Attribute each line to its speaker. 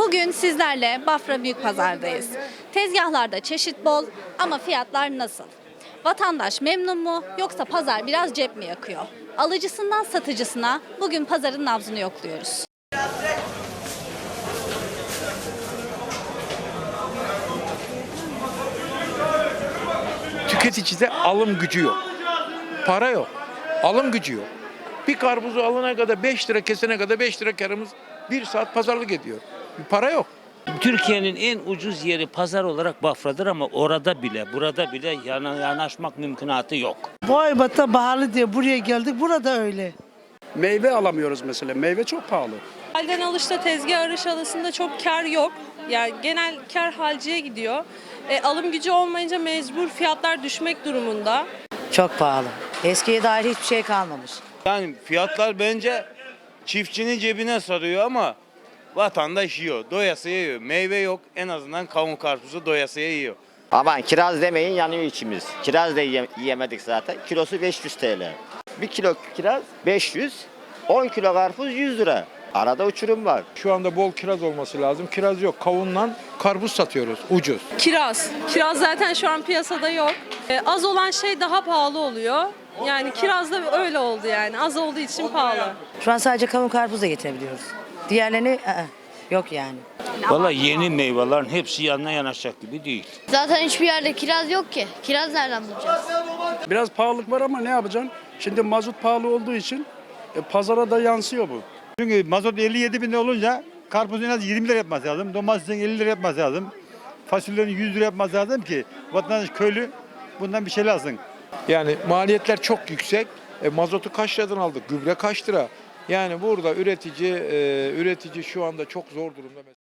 Speaker 1: Bugün sizlerle Bafra Büyükpazar'dayız. Tezgahlarda çeşit bol ama fiyatlar nasıl? Vatandaş memnun mu yoksa pazar biraz cep mi yakıyor? Alıcısından satıcısına bugün pazarın nabzını yokluyoruz.
Speaker 2: Tüketicide alım gücü yok. Para yok. Alım gücü yok. Bir karpuzu alana kadar 5 lira, kesene kadar 5 lira karımız 1 saat pazarlık ediyor. Bir para yok.
Speaker 3: Türkiye'nin en ucuz yeri pazar olarak Bafra'dır ama orada bile, burada bile yanaşmak mümkünatı yok.
Speaker 4: Boybat'ta pahalı diye buraya geldik. Burada öyle.
Speaker 5: Meyve alamıyoruz mesela. Meyve çok pahalı.
Speaker 6: Halden alışta tezgah arış arasında çok kar yok. Yani genel kar halciye gidiyor. Alım gücü olmayınca mecbur fiyatlar düşmek durumunda.
Speaker 7: Çok pahalı. Eskiye dair hiçbir şey kalmamış.
Speaker 8: Yani fiyatlar bence çiftçinin cebine sarıyor ama vatandaş yiyor. Doyasıya yiyor. Meyve yok. En azından kavun karpuzu doyasıya yiyor.
Speaker 9: Aman kiraz demeyin yanıyor içimiz. Kiraz da yiyemedik zaten. Kilosu 500 TL. 1 kilo kiraz 500, 10 kilo karpuz 100 lira. Arada uçurum var.
Speaker 2: Şu anda bol kiraz olması lazım. Kiraz yok. Kavunla karpuz satıyoruz. Ucuz.
Speaker 6: Kiraz. Kiraz zaten şu an piyasada yok. Az olan şey daha pahalı oluyor. Yani kiraz da öyle oldu yani. Az olduğu için pahalı.
Speaker 7: Şu an sadece kavun karpuz da getirebiliyoruz. Diğerlerini yok yani.
Speaker 3: Vallahi yeni meyvelerin hepsi yanına yanaşacak gibi değil.
Speaker 10: Zaten hiçbir yerde kiraz yok ki. Kiraz nereden bulacağız?
Speaker 5: Biraz pahalılık var ama ne yapacaksın? Şimdi mazot pahalı olduğu için pazara da yansıyor bu.
Speaker 11: Çünkü mazot 57 bin olunca karpuzun en az 20 lira yapması lazım. Domatesin 50 lira yapması lazım. Fasulyenin 100 lira yapması lazım ki vatandaş köylü bundan bir şey alsın.
Speaker 2: Yani maliyetler çok yüksek. Mazotu kaç liradan aldık? Gübre kaç lira? Yani burada üretici şu anda çok zor durumda.